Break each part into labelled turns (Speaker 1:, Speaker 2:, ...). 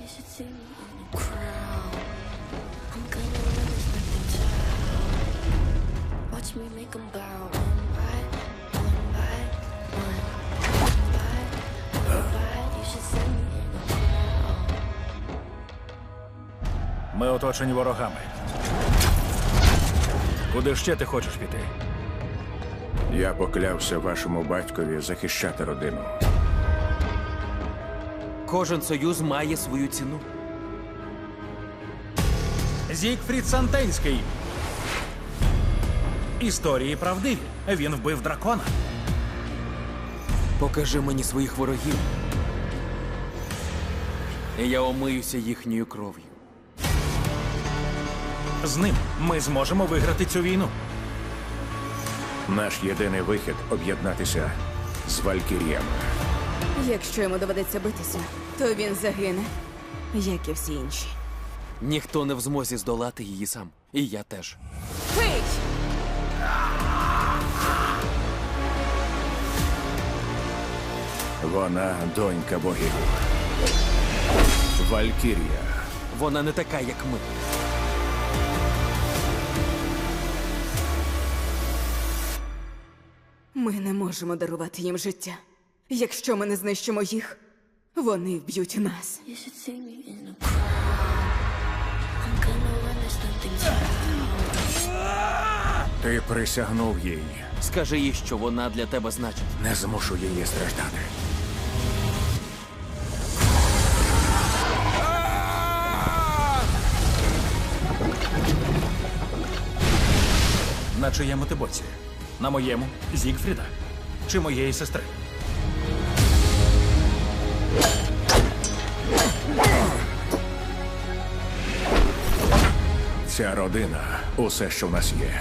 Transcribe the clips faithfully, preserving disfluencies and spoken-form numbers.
Speaker 1: should see me in a crowd. I'm gonna run this fucking town. Watch me make 'em bow. One by one by one. One by one by. You should see me in a crowd.
Speaker 2: Ми оточені ворогами. Куди ще ти хочеш піти?
Speaker 3: Я поклявся вашому батькові захищати родину.
Speaker 4: Кожен союз має свою ціну.
Speaker 2: Зігфрід Сантенський. Історії правдиві. Він вбив дракона.
Speaker 4: Покажи мені своїх ворогів. І я омиюся їхньою кров'ю.
Speaker 2: З ним ми зможемо виграти цю війну.
Speaker 3: Наш єдиний вихід – об'єднатися з Валькіріями.
Speaker 5: Якщо йому доведеться битися, то він загине, як і всі інші.
Speaker 4: Ніхто не в змозі здолати її сам. І я теж.
Speaker 5: Пий!
Speaker 3: Вона донька богів. Валькірія.
Speaker 4: Вона не така, як ми.
Speaker 5: Ми не можемо дарувати їм життя. Якщо ми не знищимо їх, вони вб'ють нас.
Speaker 1: You should see me in a crowd. I'm gonna run this fucking town.
Speaker 3: Ти присягнув їй.
Speaker 4: Скажи їй, що вона для тебе значить.
Speaker 3: Не змушу її страждати.
Speaker 2: На чиєму ти боці? На моєму Зігфріда? Чи моєї сестри?
Speaker 3: Ця родина – усе, що в нас є.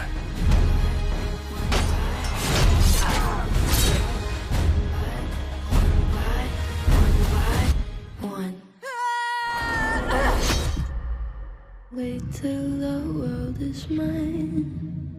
Speaker 1: One. Wait till the world is mine.